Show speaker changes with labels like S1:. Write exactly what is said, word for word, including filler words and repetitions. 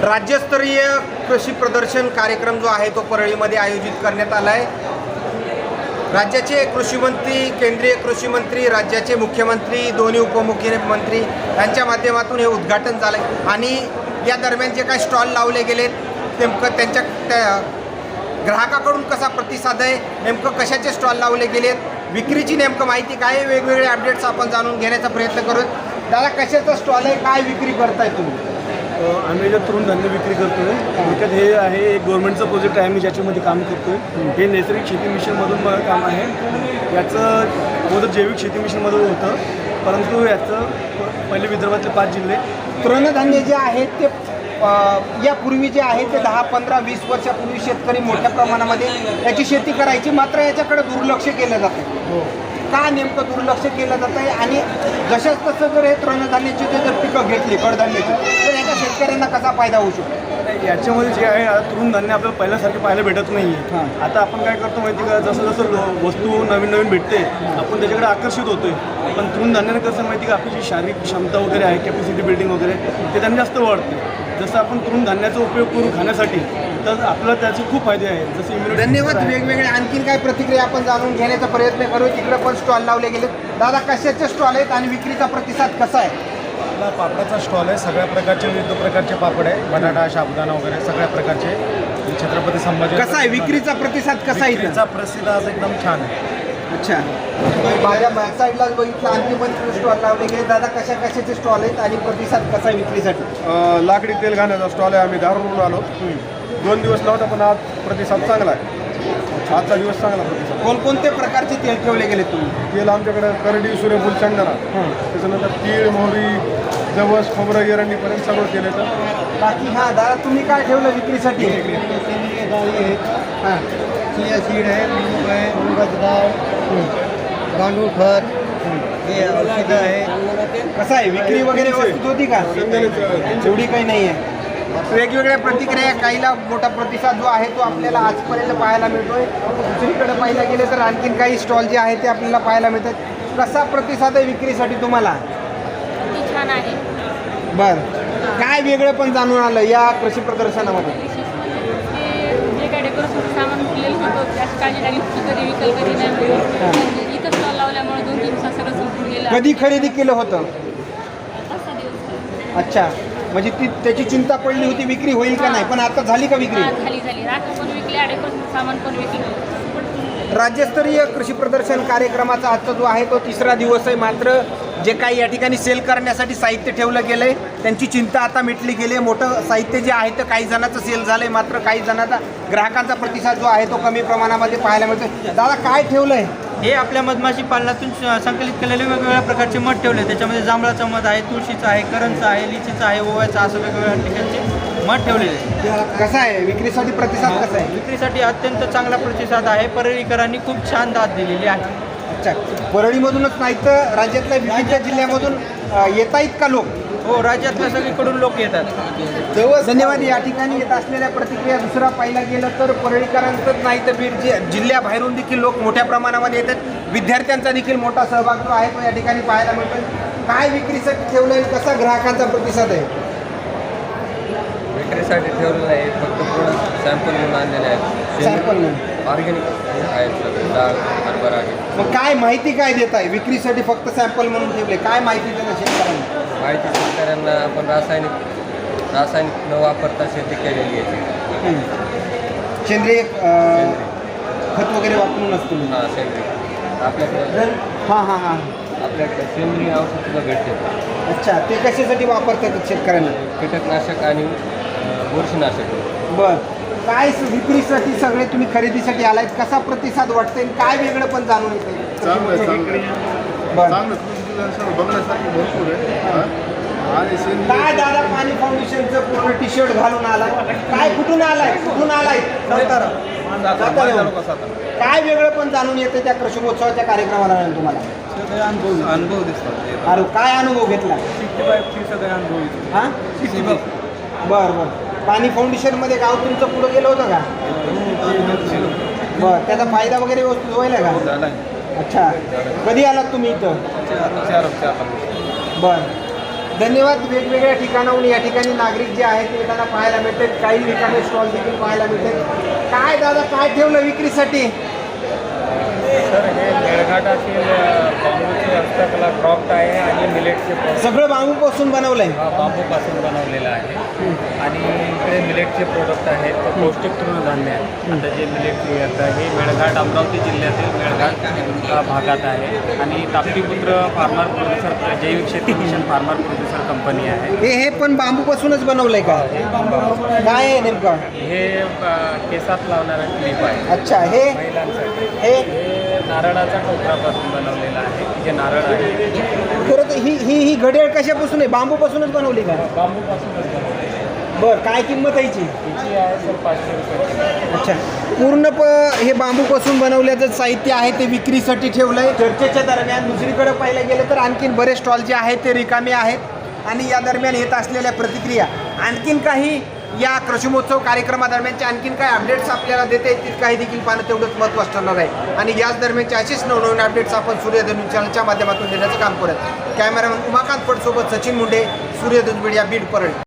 S1: राज्यस्तरीय कृषी प्रदर्शन कार्यक्रम जो आहे तो परळीमध्ये आयोजित करण्यात आला आहे। राज्याचे कृषी मंत्री, केंद्रीय कृषी मंत्री, राज्याचे मुख्यमंत्री, दोन्ही उपमुख्यमंत्री यांच्या माध्यमातून हे उद्घाटन झालं आहे। आणि या दरम्यान जे काही स्टॉल लावले गेलेत नेमकं त्यांच्या त्या ग्राहकाकडून कसा प्रतिसाद आहे, नेमकं कशाचे स्टॉल लावले गेलेत, विक्रीची नेमकं माहिती काय, वेगवेगळे अपडेट्स आपण जाणून घेण्याचा प्रयत्न करूत। दादा, कशाचा स्टॉल आहे, काय विक्री करताय तुम्ही?
S2: आम्ही जे तृण धान्य विक्री करतो आहे त्याच्यात हे आहे एक गव्हर्नमेंटचं प्रोजेक्ट आहे, आम्ही ज्याच्यामध्ये काम करतो आहे। हे नैसर्गिक शेती मिशनमधून मला काम आहे। याचं अगोदर जैविक शेती मिशनमधून होतं, परंतु याचं पहिले विदर्भातले पाच जिल्हे
S1: तृणधान्य जे आहेत ते यापूर्वी जे आहे ते दहा पंधरा वीस वर्षापूर्वी शेतकरी मोठ्या प्रमाणामध्ये याची शेती करायची, मात्र याच्याकडे दुर्लक्ष केलं जातं।
S2: हो
S1: का नेमकं दुर्लक्ष केलं जातं आहे? आणि जशाच तसं जर हे तृणधान्याची जर पिकं घेतली कडधान्याची तर याच्या शेतकऱ्यांना कसा फायदा होऊ शकतो?
S2: याच्यामध्ये जे आहे आता तृणधान्य आपल्याला पहिल्यासारखे पाहायला भेटत नाही आहे। आता आपण काय करतो माहिती का, जसं जसं वस्तू नवीन नवीन भेटते आपण त्याच्याकडे आकर्षित होतोय। पण तृणधान्याने कसं माहिती का, आपली जी शारीरिक क्षमता वगैरे आहे, कॅपॅसिटी बिल्डिंग वगैरे ते त्यांनी जास्त वाढते। जसं आपण तृणधान्याचा उपयोग करू खाण्यासाठी तर आपल्याला त्याचे खूप फायदे आहेत, जसे इम्युनिटी।
S1: धन्यवाद। वेगवेगळे आणखीन काय प्रतिक्रिया आपण जाणून घेण्याचा प्रयत्न करू। तिकडे पण स्टॉल लावले गेले। दादा, कशाचे स्टॉल आहेत आणि विक्रीचा प्रतिसाद कसा आहे?
S3: आपला पापडाचा स्टॉल आहे, सगळ्या प्रकारचे विविध प्रकारचे पापड आहे, बटाटा, साबुदाणा वगैरे सगळ्या प्रकारचे। छत्रपती संभाजी
S1: कसा आहे विक्रीचा प्रतिसाद कसा आहे?
S3: विक्रीचा प्रसिद्ध आज एकदम छान आहे।
S1: अच्छा, माझ्या बॅक साईडलाच बघितलं आणखी पण स्टॉल लावले गेले। दादा, कशा कशाचे स्टॉल आहेत आणि प्रतिसाद कसा आहे विक्रीसाठी?
S3: लाकडी तेल घाण्याचा स्टॉल आहे, आम्ही दारूरून आलो। दोन दिवस नव्हता पण आज प्रतिसाद चांगला आहे। आजचा दिवस चांगला प्रतिसाद।
S1: कोणकोणते प्रकारचे तेल ठेवले गेले तुम्ही?
S3: तेल आमच्याकडे करडी, सूर्यफूल, शेंगदाणा, त्याच्यानंतर तीळ, मोहरी, जवस, खोबरं, एरंडीपर्यंत सगळं तेल येतं।
S1: बाकी हां दादा, तुम्ही काय ठेवलं विक्रीसाठी? हां,
S4: चिया सीड आहे, मूग आहे, मुगाची डाळ, गांडूळ खत, हे औषधं आहे।
S1: कसं आहे विक्री वगैरे व्यवस्थित होती का? एवढी काही नाही आहे। वेगवेगळ्या प्रतिक्रिया, काहीला मोठा प्रतिसाद जो आहे तो आपल्याला आजपर्यंत पाहायला मिळतोय। दुसरीकडे पाहायला गेले तर आणखीन काही स्टॉल जे आहे ते आपल्याला पाहायला मिळतात। कसा प्रतिसाद आहे विक्रीसाठी तुम्हाला?
S5: छान आहे।
S1: बरं, काय वेगळं पण जाणून आलं या कृषी प्रदर्शनामध्ये?
S5: जे काय डेकोरेशनचं सामान केलेलं होतं त्याची काळजी लागली होती, कधी विकल कधी नाही। इथं स्टॉल लावल्यामुळे दोन तीन दिवसात सगळं संपून गेलं।
S1: कधी खरेदी केलं होतं?
S5: तसा दिवस
S1: अच्छा, म्हणजे ती त्याची चिंता पडली होती विक्री होईल का नाही, पण आता झाली का विक्री?
S5: झाली झाली राख पण विकल्या, डेकोरेशनचं सामान पण विकलं।
S1: राज्यस्तरीय कृषी प्रदर्शन कार्यक्रमाचा आजचा जो आहे तो तिसरा दिवस आहे। मात्र जे काही या ठिकाणी सेल करण्यासाठी साहित्य ठेवलं गेलं आहे त्यांची चिंता आता मिटली गेली आहे। मोठं साहित्य जे आहे तर काही जणांचं सेल झालं आहे, मात्र काही जणांचा ग्राहकांचा प्रतिसाद जो आहे तो कमी प्रमाणामध्ये पाहायला मिळतो। दादा, काय ठेवलं आहे?
S6: हे आपल्या मधमाशी पालनातून संकलित केलेले वेगवेगळ्या प्रकारचे मध ठेवले। त्याच्यामध्ये जांभळाचं मध आहे, तुळशीचं आहे, करंजचं आहे, लिचीचं आहे, ओव्याचं, असं वेगवेगळ्या ठिकाणचे मध ठेवलेले।
S1: कसा आहे विक्रीसाठी प्रतिसाद कसा आहे?
S6: विक्रीसाठी अत्यंत चांगला प्रतिसाद आहे। परळीकरांनी खूप छान दाद दिलेली आहे।
S1: अच्छा, परळीमधूनच नाही तर राज्यातल्या विविध जिल्ह्यामधून येत आहेत का लोक?
S6: हो, राज्यातल्या सगळीकडून लोक येतात।
S1: धन्यवाद। या ठिकाणी येत असलेल्या प्रतिक्रिया दुसरा पाहायला गेलं तर परळीकरांचंच नाही तर बीड जि जिल्ह्याबाहेरून देखील लोक मोठ्या प्रमाणामध्ये येतात। विद्यार्थ्यांचा देखील मोठा सहभाग जो आहे तो या ठिकाणी पाहायला मिळतो। काय विक्रीसाठी ठेवलं आहे, कसा ग्राहकांचा प्रतिसाद आहे?
S7: विक्रीसाठी ठेवलेलं आहे, फक्त प्रोडक्ट सॅम्पल म्हणून आणलेले आहेत।
S1: सॅम्पल म्हणून
S7: ऑर्गॅनिक आहेत सगळे, डाळ, हरभरा आहे।
S1: मग काय माहिती काय देत आहे? विक्रीसाठी फक्त सॅम्पल म्हणून ठेवले, काय माहिती देणं शेतकऱ्यांना?
S7: माहिती शेतकऱ्यांना आपण रासायनिक रासायनिक न वापरता शेती केलेली आहे।
S1: सेंद्रिय अं, खत वगैरे वापरूनच तुम्ही?
S7: हां, सेंद्रिय आपल्याकडे
S1: हां हां हां
S7: आपल्याकडे सेंद्रिय औषधसुद्धा भेटते।
S1: अच्छा, ते कशासाठी वापरतात शेतकऱ्यांना?
S7: कीटकनाशक आणि बुरशीनाशक।
S1: बरं, काय विक्रीसाठी सगळे तुम्ही खरेदीसाठी आलायत, कसा प्रतिसाद वाटतंय, काय वेगळं पण जाणून येते? बरं,
S3: बघण्यासाठी भरपूर आहे। आणि
S1: काय दादा, पाणी फाउंडेशनचं पूर्ण टी शर्ट घालून आलाय, काय कुठून आलाय कुठून आलाय? सातारा। काय वेगळं पण जाणून येते त्या कृषी महोत्सवाच्या कार्यक्रमाला तुम्हाला?
S2: अनुभव अनुभव दिसतात।
S1: अरे, काय अनुभव घेतला?
S2: सगळे अनुभव
S1: हां, बरं बरं। पाणी फाउंडेशनमध्ये गाव तुमचं पुढं गेलं होतं का? बरं, त्याचा फायदा वगैरे व्यवस्थित व्हायला का? अच्छा, कधी आलात तुम्ही इथं? बरं, धन्यवाद. वेगवेगळ्या ठिकाणाहून या ठिकाणी नागरिक जे आहेत ते येताना पाहायला मिळते. काही रिकामे स्टॉल देखील पाहायला मिळते. काय दादा काय ठेवलं विक्रीसाठी?
S8: सर हे मेळघाटातील बांबूची हस्तकला क्रॉफ्ट आहे आणि मिलेटचे प्रोडक्ट
S1: सगळं बांबूपासून बनवलंय.
S8: बांबूपासून बनवलेलं आहे आणि इकडे मिलेटचे प्रोडक्ट आहेत ते पौष्टिक तृणधान्य आहे. आता जे मिलेट येतं हे मेळघाट अमरावती जिल्ह्यातील मेळघाट अ, भागात आहे आणि ताप्तीपुत्र फार्मर प्रोड्युसर जैविक शेती मिशन फार्मर प्रोड्युसर कंपनी आहे.
S1: हे हे पण बांबूपासूनच बनवलंय का? काय आहे नेमकं?
S8: हे अ, केसात लावणारा क्लिप आहे
S1: अच्छा. हे
S8: महिलांसाठी.
S1: हे
S8: हे नारळाच्या टोकरापासून बनवलेलं आहे. जे नारळ आहे
S1: खरं तर ही ही ही घड्याळ कशापासून आहे? बांबूपासूनच बनवली का?
S8: बांबूपासूनच बनवलेलं आहे.
S1: बरं, काय किंमत आहे याची?
S8: हिची आहे सर पाचशे रुपये.
S1: अच्छा. पूर्ण प हे बांबूपासून बनवल्याचं साहित्य आहे ते विक्रीसाठी ठेवलं आहे. चर्चेच्या दरम्यान दुसरीकडे पाहायला गेलं तर आणखीन बरेच स्टॉल जे आहेत ते रिकामे आहेत आणि या दरम्यान येत असलेल्या प्रतिक्रिया आणखीन काही या कृषी महोत्सव कार्यक्रमादरम्यानचे आणखीन काही अपडेट्स आपल्याला देता येतील काही देखील पाहणं तेवढंच महत्त्वाचं ठरणार आहे. आणि याच दरम्यानचे असेच नवनवीन अपडेट्स आपण सूर्यधनु चॅनलच्या माध्यमातून देण्याचं काम करत. कॅमेरामन उमाकांत पटसोबत सचिन मुंडे, सूर्यधनु मीडिया, बीड, परळी.